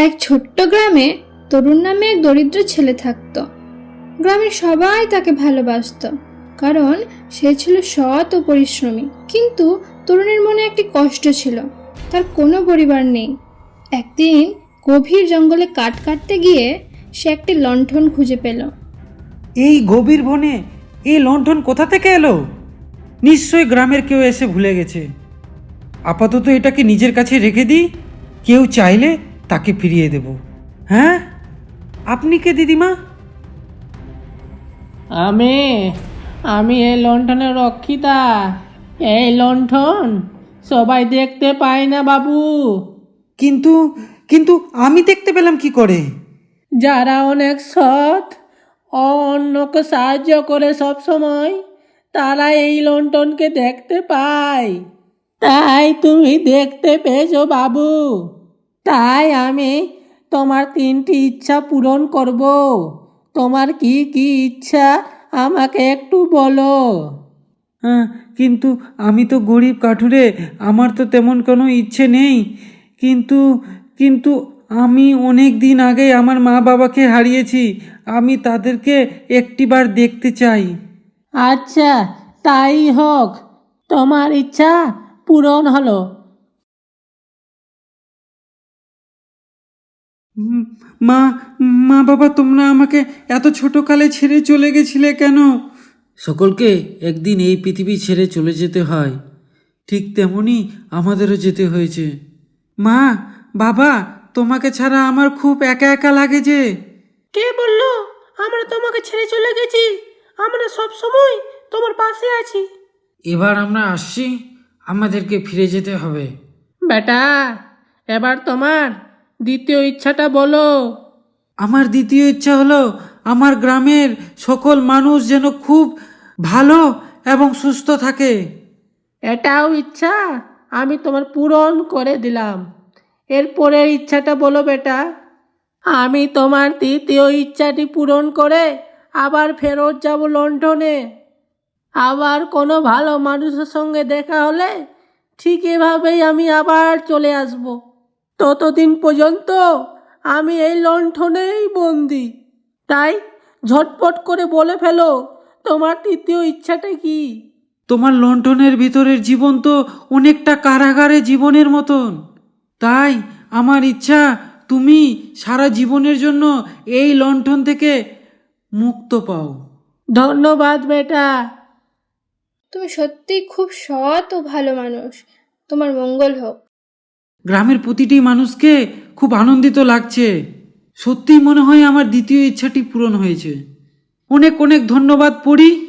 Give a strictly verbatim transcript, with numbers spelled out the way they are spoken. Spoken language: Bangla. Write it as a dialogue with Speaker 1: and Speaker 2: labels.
Speaker 1: এক ছোট্ট গ্রামে তরুণ নামে এক দরিদ্র ছেলে থাকত। গ্রামের সবাই তাকে ভালোবাসত, কারণ সে ছিল সৎ ও পরিশ্রমী। কিন্তু তরুণের মনে একটি কষ্ট ছিল, তার কোনো পরিবার নেই। একদিন গভীর জঙ্গলে কাঠ কাটতে গিয়ে সে একটি লণ্ঠন খুঁজে পেল।
Speaker 2: এই গভীর বনে এই লণ্ঠন কোথা থেকে এলো? নিশ্চয়ই গ্রামের কেউ এসে ভুলে গেছে। আপাতত এটাকে নিজের কাছে রেখে দিই, কেউ চাইলে তাকে ফিরিয়ে দেব। হ্যাঁ, আপনি কে দিদিমা?
Speaker 3: আমি আমি এই লণ্ঠনের রক্ষিতা। এই লণ্ঠন সবাই দেখতে পায় না বাবু।
Speaker 2: কিন্তু কিন্তু আমি দেখতে পেলাম কি করে?
Speaker 3: যারা অনেক সৎ ও অন্যকে সাহায্য করে সব সময়, তারা এই লণ্ঠনকে দেখতে পায়। তাই তুমি দেখতে পেয়েছো বাবু। তাই আমি তোমার তিনটি ইচ্ছা পূরণ করব। তোমার কি কি ইচ্ছা আমাকে একটু বলো।
Speaker 2: হ্যাঁ, কিন্তু আমি তো গরিব কাঠুরে, আমার তো তেমন কোনো ইচ্ছে নেই। কিন্তু কিন্তু আমি অনেক দিন আগে আমার মা বাবাকে হারিয়েছি, আমি তাদেরকে একটিবার দেখতে চাই।
Speaker 3: আচ্ছা, তাই হোক, তোমার ইচ্ছা পূরণ হলো।
Speaker 2: উম, মা মা বাবা, তোমরা আমাকে এত ছোটকালে ছেড়ে চলে গেছিলে কেন? সকলকে একদিন এই পৃথিবী ছেড়ে চলে যেতে হয়, ঠিক তেমনি আমাদেরও যেতে হয়েছে। মা বাবা, তোমাকে ছাড়া আমার খুব একা একা লাগে যে।
Speaker 3: কে বললো আমরা তোমাকে ছেড়ে চলে গেছি? আমরা সব সময় তোমার পাশে আছি।
Speaker 2: এবার আমরা আসছি, আমাদেরকে ফিরে যেতে হবে।
Speaker 3: বেটা, এবার তোমার দ্বিতীয় ইচ্ছাটা বলো।
Speaker 2: আমার দ্বিতীয় ইচ্ছা হলো আমার গ্রামের সকল মানুষ যেন খুব ভালো এবং সুস্থ থাকে।
Speaker 3: এটাও ইচ্ছা আমি তোমার পূরণ করে দিলাম। এরপরের ইচ্ছাটা বলো বেটা। আমি তোমার তৃতীয় ইচ্ছাটি পূরণ করে আবার ফেরত যাব লন্ডনে। আবার কোনো ভালো মানুষের সঙ্গে দেখা হলে ঠিক এভাবেই আমি আবার চলে আসব। ততদিন পর্যন্ত আমি এই লণ্ঠনেই বন্দি। তাই ঝটপট করে বলে ফেলো, তোমার তৃতীয় ইচ্ছাটা কি?
Speaker 2: তোমার লণ্ঠনের ভিতরের জীবন তো অনেকটা কারাগারে জীবনের মতন। তাই আমার ইচ্ছা তুমি সারা জীবনের জন্য এই লণ্ঠন থেকে মুক্ত পাও।
Speaker 3: ধন্যবাদ বেটা।
Speaker 1: তুমি সত্যিই খুব সৎ ও ভালো মানুষ, তোমার মঙ্গল হোক।
Speaker 2: গ্রামের প্রতিটি মানুষকে খুব আনন্দিত লাগছে। সত্যিই মনে হয় আমার দ্বিতীয় ইচ্ছাটি পূরণ হয়েছে। অনেক অনেক ধন্যবাদ পড়ি।